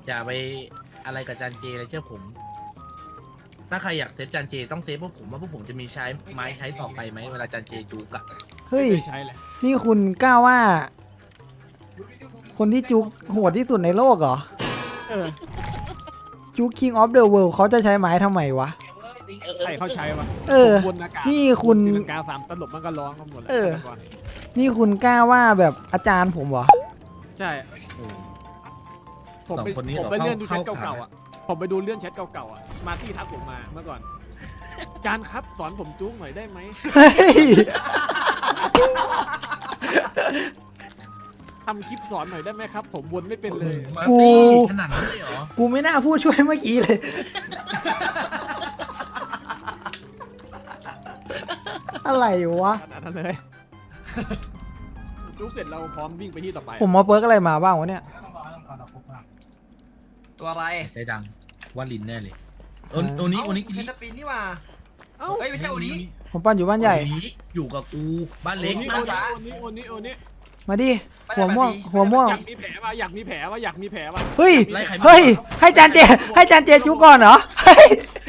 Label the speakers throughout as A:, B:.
A: อย่าไปอะไรกับจานเจเลยเชื่อผม ถ้าใครอยากเซฟจานเจต้องเซฟพวกผมว่าพวกผมจะมีใช้ไม้ใช้ต่อไปไหมเวลาจานเจจูกอะ
B: เฮ้ย
C: ไม่ใช่แหละ
B: นี่คุณกล้าว่า คนที่จุกโหดที่สุดในโลกเหรอ
C: เออ
B: จุก King of the World เขาจะใช้ไม้ทำไมวะ
C: ใครเขาใช้วะ
B: เออ
C: บนอากาศ
B: นี่คุณ
C: ตีลังกา3ตลบมันก็ร้องกันหมดแล้ว
B: เออ
C: ก่อน
B: นี่คุณกล้าว่าแบบอาจารย์ผมเหรอ
C: ใช่ผมไปเลื่อนดูแชทเก่าๆอ่ะผมไปดูเลื่อนแชทเก่าๆอ่ะมาที่ทักผมมาเมื่อก่อนจานครับสอนผมจุ๊กหน่อยได้ไหม
B: เฮ้ย
C: ทำคลิปสอนหน่อยได้ไหมครับ ผมวนไม่เป็นเลย
A: มาตีขนาดนั้นเลยเหรอ
B: กูไม่น่าพูดช่วยเมื่อกี้เลย อะไรวะ
C: ขนาดนั้นเลยจุ๊กเสร็จเราพร้อมวิ่งไปที่ต่อไป
B: ผมมาเปิร์กอะไรมาบ้างวะเนี่ย
D: ตัวอะไร
A: ใจดังว่าลินแน่เลยตัวนี้ตัวนี้
D: ใช้สปินนี่มา
C: เอ้า
D: เฮ้ยไม่ใช่โอนี้
B: ผมปั้นอยู่บ้านใหญ่
A: อยู่กับกูบ้าน
C: โอ
A: เล็ก
C: นี้
D: บ้า
C: โอนี้โอนี้
B: มาดิ หัวม่วง หัวม่วง
C: อยากมีแผลว่ะอยากมีแผลว่ะอยากมีแผลว่ะ
B: เฮ้ย
A: ไล่ใคร
B: เฮ้ย ให้จานเจ ให้จานเจจุก่อนเหรอ เฮ้ย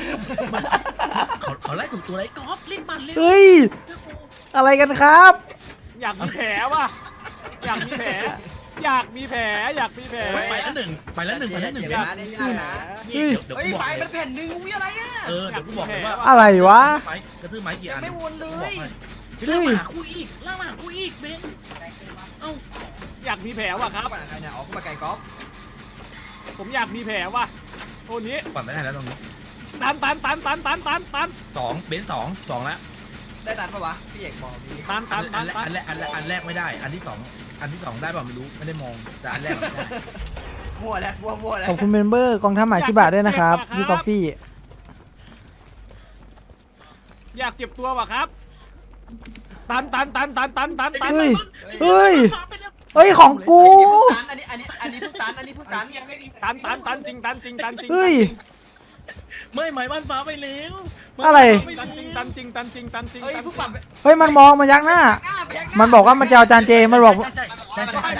A: เขาไล่ถูกตัวไล่กอล์ฟเล่นบันเล่น
B: เฮ้ย อะไรกันครับ
C: อยากมีแผลว่ะอยากมีแผลอยากมีแผลอยากมีแผล
A: ไปแล้วหนึ่งไปแล้วหนึ่งไปแล้วหนึ่ง
D: เดี๋ยวนะเดี๋ยวนะ
A: เดี๋ยว
D: เฮ้ย
A: กูบ
D: ไป
A: อก
D: มันแผ่นหนึ่งวิอะไรอ่ะ
A: เดี๋ยวกูบอกเลยว่า
B: อะไรวะ
A: ไม้กระทืบไม้กี่อัน
D: ไม่วนเลย
A: ล่างมาหากูอีกล่างมาหากูอีกเบนเอ้า
C: อยากมีแผลว่ะครับ
D: ปั่นใครเนี่ยออกมาไก่กอล์ฟ
C: ผมอยากมีแผลว่ะโอ้นี้
A: ปั่นไม่ได้แล้วตรงนี้
C: ตัน
A: สองเบนสองแล้ว
D: ได้ตันปะวะพี่เอกบอกมี
A: อันแรกไม่ได้ อันที่สองได้ป่ะไม่รู้ไม่ได้มองแต่อันแรกได้
D: มั่วแล้วมั่วแล้ว
B: ขอบคุณเมมเบอร์กองทัพหมาชิบะด้วยนะครับพี่กอฟฟี่
C: อยากเจ็บตัวว่ะครับตัน
B: เฮ้ย เฮ้ย เฮ้ย ของกู
D: อันนี้พูดตันอันนี้พูดตัน
C: ตันจริง
B: เฮ้ย
A: ไม่หมายบ้านฟ้าไปแล้ว
B: อะไร
C: ตันจริง
D: เฮ้ยผู้ปรับ
B: เฮ้ย มันมองมายักหน้า มันบอกว่ามันจะเอาจานเจ มันบอก
A: ใช่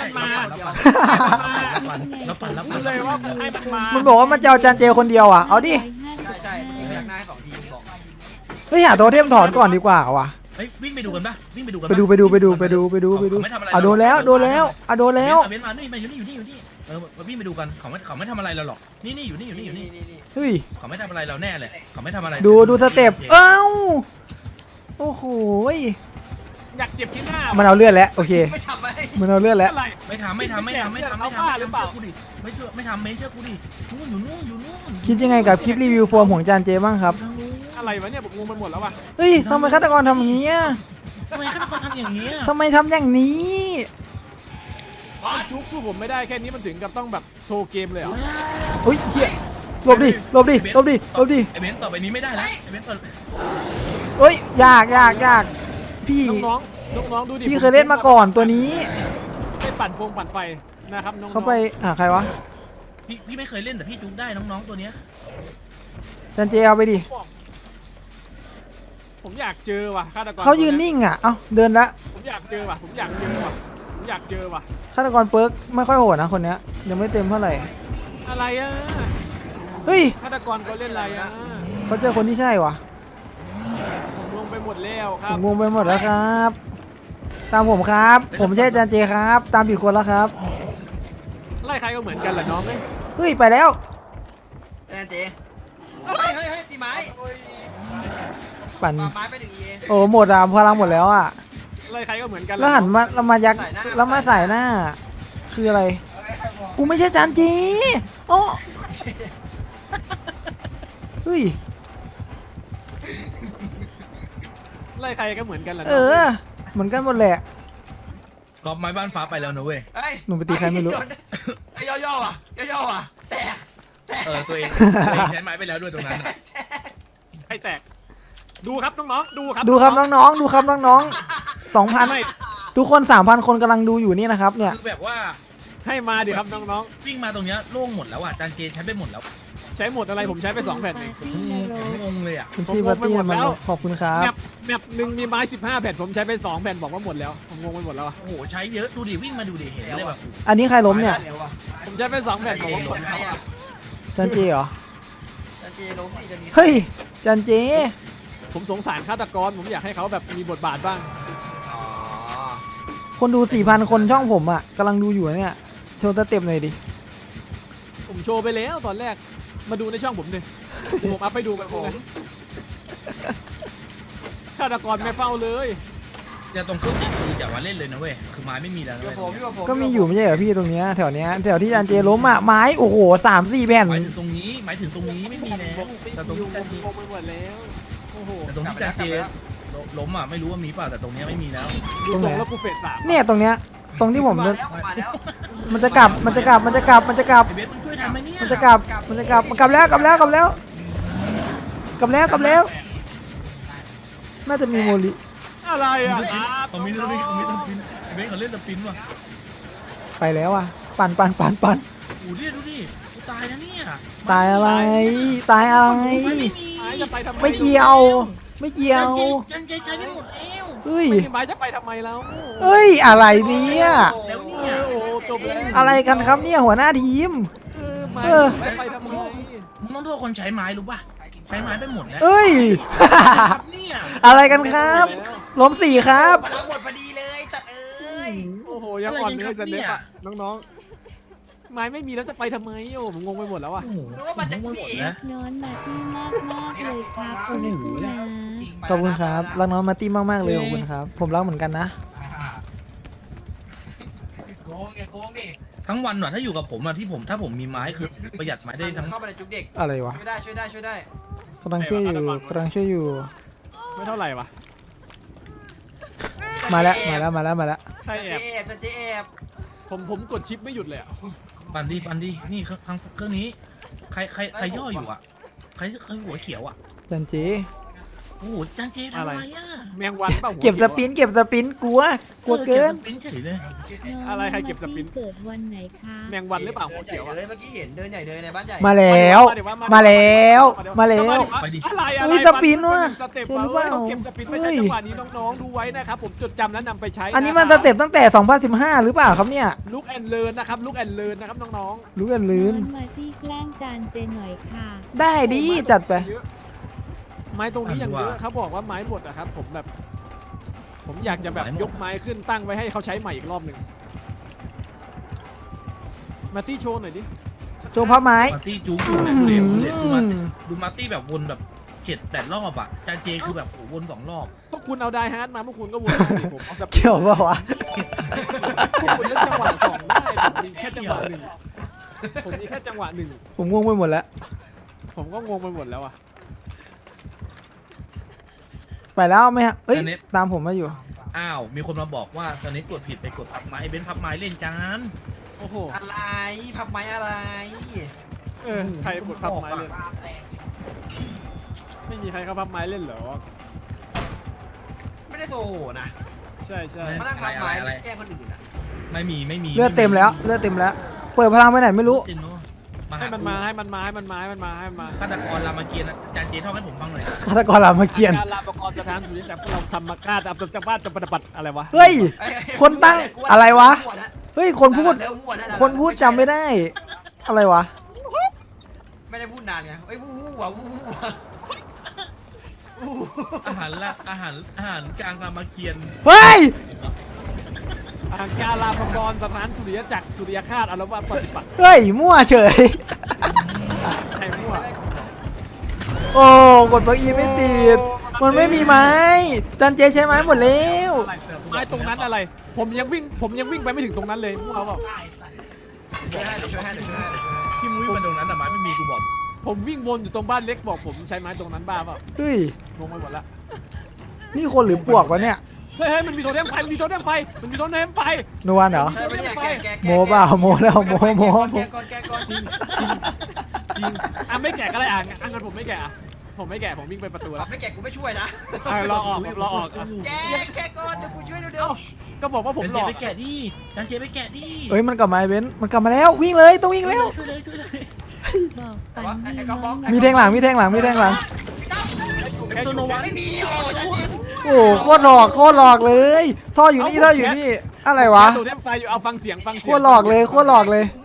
A: แล้วปั่น
C: รู้เลยว่าให้มันมา
B: มันบอกว่ามันจะเอาจานเจคนเดียวอ่ะ เอาดิ
D: ใช่ยิงพยักหน้าให้2 ทีบอก
B: เฮ้ย หาโทเทมถอนก่อนดีกว่าว่ะ
A: เฮ้ยวิ่งไปดูกันป่ะวิ่งไปดูกัน
B: ไปดูอ่ะโดนแล้วอ่ะโดนแล้ว
A: เบนมานี่มาอยู่นี่วิ่งไปดูกันเขาไม่ทำอะไรเราหรอกนี่อยู่นี่
B: เฮ้ย
A: เขาไม่ทำอะไรเราแน่เลยเขาไม่ทำอะไร
B: ดูสเต็ป เอ้า โอ้โหย
C: อยากเจ็บที่หน้า
B: มันเอาเลือดแล้ว โอเค
D: ไม่ทำไหม
B: มันเอาเลือดแล้ว
C: อะไร
A: ไม่ทำไม่ทำเมนเชื่อกูดิอยู่นู่น
B: คิดยังไงกับคลิปรีวิวโฟมของจานเจบ้างครับ
C: อะไรวะเนี่ยผมงงไปหมดแล้วว่ะ
B: เฮ้ยทำไมฆาตกรทำอย่างนี้อะ
A: ทำไมฆาตกรทำอย่างนี้
B: ทำไมทำอย่างนี้
C: จุกสู้ผมไม่ได้แค่นี้มันถึงกับต้องแบบโทรเกมเลยเหรอ
B: เฮ้ยเฮียหลบดิ
A: ไอเบนต่อไปนี้ไม่ได้แล้วไอเบนต่อ
B: เฮ้ยยากพี่
C: น้องดูดิ
B: พี่เคยเล่นมาก่อนตัวนี้
C: ไปปั่นไฟนะครับน้อง
B: เขาไปหาใครวะ
A: พี่ไม่เคยเล่นแต่พี่จุกได้น้องๆตัวเนี้ย
B: จันเจเอาไปดิ
C: ผมอยากเจอว่ะฆาตกร
B: เขายืนนิ่งอ่ะ เอ้าเดินละ
C: ผมอยากเจอว่ะ
B: ฆาตกรเปิร์กไม่ค่อยโหดนะคนเนี้ยยังไม่เต็มเท่าไหร่
C: อะไรอ่ะ
B: เฮ้ย
C: ฆาตกรเขาเล่นอะไรอ่ะ
B: เขาเจอคนที่ใช่วะ
C: ผมงงไปหมดแล้วค
B: ผ
C: รับ
B: มงงไปหมดแล้วครับ ตามผมครับ ผมไม่ใช่จันเจครับ ตามผิดคนแล้วครับ
C: ไล่ใครก็เหมือนกันแหละน้องเอ้ย
B: เฮ้ยไปแล้ว
D: แอนเจเฮ้ยตีไม้
B: ปั่น
D: ไม้ไป1 EA
B: โอ้หมดอ่ะพลังหมดแล้วอ่ะ
C: ไล่ใครก็เหมือนกัน
B: แล้วหันมาแล้วมายักแล้วมาใส่หน้า คืออะไร กูไม่ใช่จานจีโอ้เฮ้ย
C: ไล่ใครก็เหมือนกันแหละ
B: เออ เหมือนกันหมดแหละ
A: กอบไม้บ้านฟ้าไปแล้วนะเว้ย
B: หนูไปตีใครไม่รู้
D: ไอ้ย่ออ่ะแตก
A: ตัวเองใช้ไม้ไปแล้วด้วยตรงนั้น
C: ใครแตกดูครับน้องๆดูครับ
B: ดูครับน้องๆ ดูครับน้องๆ 2,000 ทุกคน 3,000 คนกำลังดูอยู่นี่นะครับเนี่ย
A: คือแบบว่า
C: ให้มาดิครับน้อง
A: วิ่งมาตรงเนี้ยโล่งหมดแล้วอ่ะจานเจใช้ไปหมดแล้ว
C: ๆใช้หมดอะไรผมใช้ไป2แผ่นเอง
A: งงเลยอ่ะ
B: คุณพี่บัตตี้มันขอบคุณครับ
C: แมปหนึ่งมีไม้15แผ่นผมใช้ไป2แผ่นบอกว่าหมดแล้วผมงงไปหมดแล้วอะ
A: โอ้โหใช้เยอะดูดิวิ่งมาดูดิเห็นเลยแบบ
B: อันนี้ใครล้มเนี่ย
C: ผมใช้ไป2แผ่นบอกว่าผล
D: ใครอ่ะ
B: จันเจเหรอ
D: จันเจล้มนี่จะมี
B: เฮ้ยจันเจ
C: ผมสงสารฆาตกรผมอยากให้เขาแบบมีบทบาทบ้าง
D: อ๋อ
B: คนดู 4,000 คนช่องผมอ่ะกำลังดูอยู่นะเนี่ยโชว์สเต็ปหน่อยดิ
C: ผมโชว์ไปแล้วตอนแรกมาดูในช่องผมดิผมอัพไปดูกันผมฆาตกรไม่เฝ้าเลย
A: เดี๋ยวตรงเครื่องจิตคืออย่ามาเล่นเลยนะเว้ยคือไม้ไม่มีแล้วนะ
D: อยู่
A: เว้ย
D: ผมอยู่ผม
B: ก็มีอยู่ไม่ใช่เหรอพี่ตรงเนี้ยแถวเนี้ยแถวที่จันเจล้มอ่ะไม้โอ้โห3-4 แผ่น
A: หมายถึงตรงนี้หมายถึงตรงนี้ไม่มีแล้วแต่ตรงที่จันเจ
C: งงไปหมดแล้วโอ้โห
A: แต่ตรงที่จันเจล้มอ่ะไม่รู้ว่ามีเปล่าแต่ตรงเนี้ยไม่มีแล้ว
C: ดูทรงแล้วกูเฟส3
B: เนี่ยตรงเนี้ยตรงที่ผม
D: มาแล้วมาแล้ว
B: มันจะกลับมันจะกลับมันจะกลับมันจะกลับ
A: ไอเบสมึงช่วยทำไหมเนี่ย
B: มันจะกลับมันจะกลับมันกลับแล้วกลับแล้วกลับแล้วกลับแล้วกลับแล้ว น่าจะมีโมลิ
C: อะไรอ่ะ
A: เขามีสปินเขามีสปินไอเบสเขาเล่นสปินว่ะ
B: ไปแล้วอ่ะปั่น
A: โอ้ดิดูดิกูตายนะเนี่ย
B: ตายอะไรตายอะไร
A: ไม่มี
C: ไม้จะไปทำไม
B: ไม่เกี่ยวไม่เกี่ยว
A: จันเจใช้ไม่หมดแล้ว
B: เฮ้ย
C: ไม่มีไม้จะไปทำไมแล้ว
B: เอ้ยอะไรเนี่ย
A: แล้ว
C: โอ้
A: เนี่ย
C: โหจบแล้ว
B: อะไรกันครับเนี่ยหัวหน้าทีม
C: ไม้
B: เออ
C: จะไปทำไม
A: มึงต้องโทษคนใช้ไม้รู้ป่ะใช้ไม้ไปหมดแล้ว
B: เอ้ย
A: ครับเนี่ย
B: อะไรกันครับล้มสี่ครับ
D: มาแล้วหมดพอดีเลยตัดเอ้ย
C: โอ้โหยังอ่อนเลยจะเน็ตอ่ะน้องๆไม้ไม่มีแล้วจะไปทำไมโอ้ผมงงไปหมดแล้วอ่ะ
A: โอ้โห
D: นึกว่ามันจะ
A: หม
D: มี
A: ด
D: อีก
A: แล้ว
E: น้อนมาที่มากมากเลยครับคุณผู้นะ
B: ขอบคุณครับรักน้องมาร์ตี้มากๆเลยขอบคุณครับ ผมรักเหมือนกันนะ
D: โกงไงโกงดิ
A: ทั้งวันว่ะถ้าอยู่กับผมอะที่ผมถ้าผมมีไม้คือประหยัดไม้ได้ทั้ง
D: เข้าไปในจุกเด็ก
B: อะไรวะ
D: ช่วยได้ช่วยได้ช่วยได้
B: กำลังช่วยอยู่กำลังช่วยอยู่
C: ไม่เท่าไหร่วะ
B: มาแล้วมาแล้วมาแล้วมาแล้ว
C: ใช่
D: จัน
C: แอ
D: เจ
C: บ
D: แอบจันเจแอบ
C: ผมกดชิปไม่หยุดเลยอ่ะ
A: ปันดีนี่เครื่องนี้ใครย่ออยู่อะใครหัวเขียวอะ
B: จันเจ
A: โอ้โหจานเจทำอะไรอะ
C: แมงวันเปล่าหัว
B: เก็บสปินกลัวเกิน
A: ก็บสปินเฉยเลย
C: อะไรใครเก็บสปิน
E: เกิดวันไหนคะ
C: แมงวันหรือเปล่าหัวเขียว
D: เดินใหญ่เลยเมื่อกี้เห็นเดินใหญ่เลยในบ้านใหญ่
B: มาแล้วมาแล้วมาแล้ว
C: อะไรอะไร
B: อุ้ยสปินว่ะ
C: สเต็ป
B: ใช่หรือเปล่า
C: เก็บสปินไปใช้จังหวะนี้น้องๆดูไว้นะครับผมจดจำและนำไปใช้
B: อันนี้มันสเต็ปตั้งแต่ 2015 หรือเปล่าครับเนี่ย
C: ลุกแอนเลิร์นนะครับลุกแอนเลิร์นนะครับน้อง
B: รู้กันลืน
E: น้อนมาที่แกล้งจานเจหน่อยค่ะ
B: ได้
C: ๆ
B: ดีจัดไป
C: ไม้ตรงนี้อย่างเยอะเขาบอกว่าไม้หมดอะครับผมแบบ ผมอยากจะแบบยกไม้ขึ้นตั้งไว้ให้เขาใช้ใหม่อีกรอบหนึ่งมาตี้โชว์หน่อยดิ
B: โจพับไม้
A: มาร์ตี้จู๊อยู่นะดูมาร์ตี้แบบวนแบบเจ็ด8 รอบอะจานเจคือแบบโอ้โหวน2 รอบ
C: พวกคุณเอาไดฮาร์ดมาพวกคุณก็วนมาดิผมเอาสปิน
B: เกี่ยวเปล่าวะ
C: พวกคุณเล่นจังหวะสองได้ผมมีแค่จังหวะหนึ่งผมมีแค่จังหวะหนึ่ง
B: ผมงงไปหมดแล้ว
C: ผมก็งงไปหมดแล้วอะ
B: ไปแล้วไหมฮะเอ้ยตามผมมาอยู่
A: อ้าวมีคนมาบอกว่าตอนนี้กดผิดไปกดพับไม้ไอเบนพับไม้เล่นจาน
C: โอ้โห
D: อะไรพับไม้อะไร
C: ใครกดพับไม้เล่นไม่มีใครเขาพับไม้เล่นเหรอ
D: ไม่ได้โซโหนะ
C: ใช่ใช่
D: มานั่งพับไม้แกล้งคนอื่นอ่ะ
A: ไม่มี
B: เลือดเต็มแล้วเลือดเต็มแล้ว เปิดพลังไปไหนไม่รู้
A: เต็มเนอะมา
C: ให้
A: หา
C: มันมาให้มันมาให้มันมาให้มันมาให้มันมา
A: ฆาตกรรามเกียรติ์จานเจท่องให้ผมฟังหน่อย
B: ฆาตกรรามเกียรติ์
C: การลาประกอบสถานสุริยะพวกเราทำมาฆ่าอับจับบ้านจับปฏิบัติอะไรวะ
B: เฮ้ย คนตั้งอะไรวะ
D: มั่วแล้ว
B: เฮ้ยคนพูด
D: เริ่มมั่วแล้ว
B: คนพูดจำไม่ได้ อะไรวะ
D: ไม่ได้พูดนานไงเอ้ยวู้วู้ว่ะวู้วู้ว่ะวู้
A: อาหารกลางรามเกียรติ์
B: เฮ้ย
C: การลาประกอบสถานสุริยะจักรสุริยคาตอารวาสปฏิบัติ
B: เฮ้ยมั่วเฉย
C: ใครมั่ว
B: โอ้กดบล็อกอีไม่ติด มันไม่มีไม้จันเจใช้ไม้หมดแล้ว
C: ไม้ตรงนั้นอะไร ผมยังวิ่งไปไม่ถึงตรงนั้นเลยมั่วเปล่า
D: ช่วยให้เดี๋ยวช่วยให้เดี๋ยวช่วยให้
A: ที่มุ้ยมาตรงนั้นแต่ไม้ไม่มีกูบอก
C: ผมวิ่งวนอยู่ตรงบ้านเล็กบอกผมใช้ไม้ตรงนั้นบ้าเปล่า
B: เฮ้ย
C: งงไปหมดละ
B: นี่คนหรือปวกวะเนี่ย
C: เฮ้ยมันมีโทเทมไฟมันมีโทเทมไฟมันมีโทเทมไฟ
B: นวลเหรอ
D: ใช่ปะเนี่ยแกะ
B: โมเปล่าโมแล้วโม
D: แกะก่อนแกะก่อน
C: จริงไม่แกะก็ได้งั้นผมไม่แกะผมไม่แกะผมวิ่งไปประตู
D: ปรั
C: แล้
D: บ
C: ว
D: ไม่แกะกูไม่ช่วยนะ
C: รอออก
D: แกะก่อนเดี๋ยวกูช่วยเดี๋ยว
C: ก็บอกว่าผม
A: จาน
C: หล
A: เจ
C: อก
A: ไปแกะดิจานเจไปแกะดิ
B: เฮ้ยมันกลับมาไอ้เบนซ์มันกลับมาแล้ววิ่งเลยต้องวิ่งแล้ว
A: ช่วยเลย
E: บอกปัน
D: ไอ้
E: นี่
D: กระบอก
B: มีแทงหลังมีแทงหลังมีแทงหลัง
C: แค่อยู่
D: ไม่มีโอ้ย
B: โอ้โคตรหลอกโคตรหลอกเลยท่ออยู่นี่ท่ออยู่นี่อะไรวะ
C: โทเทมไฟอยู่เอาฟังเสียง
B: โคตรหลอกเลยโคตรหลอกเลย
D: ก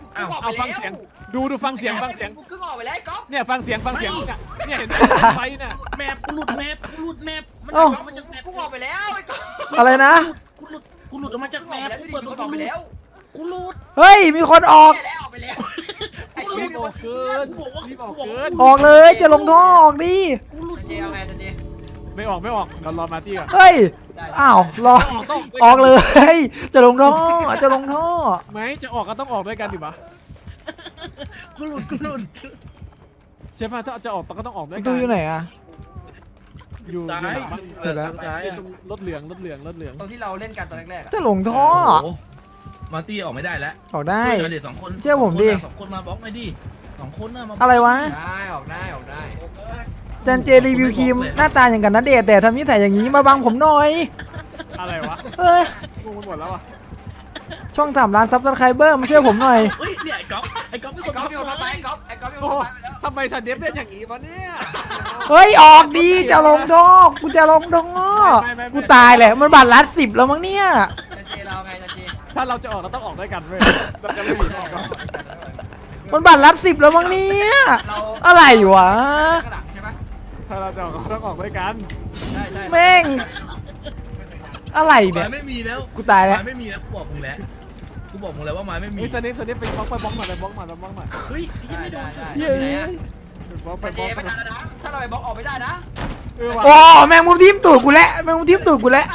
A: อ้าว
D: กูออก
C: เอา
D: ไป
C: ฟัง
D: แล้ว
C: เสียงดูฟังเสียง
D: กูกึ่งออกไปแล้วไอ้ก๊อฟ
C: เนี่ยฟังเสียงเนี่ยเห็นไฟน่ะ
A: แมปกูหลุดแมปกูหลุดแมปมัน
B: เอ้า
A: ออกมาจากแมป
D: กูออกไปแล้วไอ้ก๊อฟ
B: อะไรนะ
A: กูหลุดออกมาจากแมปกูเปิดประ
D: อ
A: ตู
D: อกไปแล้ว
A: กูหลุด
B: เฮ้ยมีคนออก
D: ออกไปแล้วไอ้
C: รี
D: เชี่ย
C: บออกเกินรีบออกเกิน
B: ออกเลยจะลงท่อออกดิ
A: กูหลุด
D: จันเจเอาไงจันเจ
C: ไม่ออกเรารอมาร์ตี้ก่อน
B: เฮ้ย
D: ได้
B: อ้าวรอออกเลย จะลงท่อจะลงท่อ
C: ไหมจะออกก็ต้องออกด้วยกันดิวะ
A: กูหลุดกูหลุด
C: ใช่ป่ะถ้าจะออกก็ต้องออกด้วยกั
B: ดูอยู่ไหนอะ
C: อยู่
A: ซ้าย
C: หลังบ้าน
B: เห็นแล้ว
A: ซ้ายอะ
C: รถเหลือง
D: ตรงที่เราเล่นกันตอนแรกๆอะ
B: จะลงท่อ
A: โโหมาร์ตี้ออกไม่ได้แล้ว
B: ออกได้
A: ช่วยกันเด็ก2 คน
B: เชื่อผมดิ
A: สองคนมาบล็อกไม่ดิ2 คนน่ะมาบล็อก
B: อะไรวะ
D: ได้ออกได้ออกได้
B: จันเจรีวิวครีมหน้าตาอย่างกันนะเดชแต่ทำนิสัยอย่างนี้มาบังผมหน่อย
C: อะไรวะ
B: เอ้ย
C: งงไปหมดแล้วอ่ะ
B: ช่อง3 ล้านซับสไครเบอร์มาช่วยผมหน่อย
A: เฮ้ยเนี่ยไอ้ก๊อฟไอ้ก๊อฟเป็น
D: ไอ้
A: คน
D: ก๊อฟ
A: ทำ
D: โยนมาไปไอ้ก๊อฟโยน
C: โอ้
D: มาไปแล้ว
C: ทำไมฉันเดฟเล่นอย่างนี้วะเนี่ย
B: เฮ้ยออกดีจะลงท่อกูจะลงท่อกูตายแหละมันบัตรลัด10แล้วมั้งเนี่ย
D: จันเจเราไงจันเจ
C: ถ้าเราจะออกเราต้องออกด้วยกันเว้ยเราจะไม่หนีออกกัน
B: มันบัตรลัด10แล้วมั้งเนี่ย
D: เรา
B: อะไรวะ
D: ข้างหลังใช่ไหม
C: ถ้าเราจะออกเราต้องออกด้วยกัน
D: ใช่ใช่
B: แม่งอะไร
A: ไม้
B: เนี่ย
A: ไม่มีแล้ว
B: กูตายแล้ว
A: ไม้ไม่มีแล้วกูบอกมึงแล้วกูบอกมึงแล้วว่าไม้ไม่มี
C: เฮ้ยสนิทไปบล็อกหน่อยบล็อกหน่อย
A: เฮ้ยยังไม่โดน
D: ได้
B: เย้
D: ไหน
B: ย
D: อะ
C: บล็อก
D: จันเจไม่ทันแล้วนะถ้าเราไปบล็อกออกไม่ได้นะ
B: โอ้แมงมุมทิ่มตูดกูแล้วแมงมุมทิ่มตูดกูแล้ว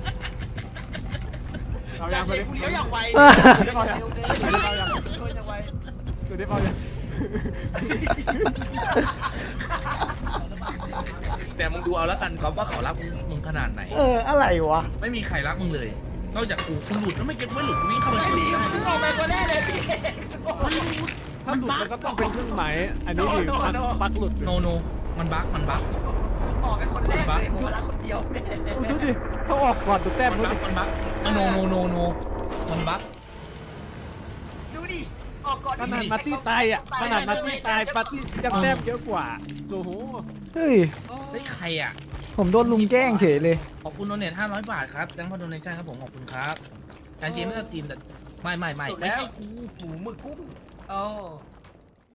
C: เอา
D: จั
C: ยั
D: น
C: ง
D: เจ
C: สนิท
D: กูเลี้ยวอย่างไว
B: เออ
D: เร็วอย่างไว
C: สนิทเอายัง
A: แต่มึงดูเอาแล้วกันก๊อฟว่าเขารักมึงขนาดไหน
B: อะไรวะ
A: ไม่มีใครรักมึงเลย นอกจากกูหลุดแล้วไม่เก็บไม่หลุดกูวิ่งเข้าไป
D: ไม่
A: ชน
D: มี
A: ได้
D: กูออกไปคนแรกเลยพี่
C: ถ้าหลุดมันก็ต้องเป็นเครื่องหมายอันนี้ดิปักหลุด
A: โนโนมันบั๊กมันบั๊ก
D: ออกไปคนแรกเลยผมรักคนเดียว
C: ดูดิเขาออกก่อนดูแต้ม
A: มัน
C: ดู
A: บั๊
C: ดิ
A: กมันบั๊กโนโนโนโนมันบั๊ก
D: ดูดิออกก่อน
C: ขนาดมาร์ตี้ตายอ่ะขนาดมาร์ตี้ตายมาร์ตี้ยังแต้มเยอะกว่าโอ้โห
B: เฮ้ย
A: เฮ้ยใครอ่ะ
B: ผมโดนลุงแกล้งเฉยเลย
A: ขอบคุณโดเนท500 บาทครับแตงพอโดเนชั่นครับผมขอบคุณครับการเจมไม่ได้ทีมแต่ไม่ใช่กู
D: หมูหมึกกุ้งโอ้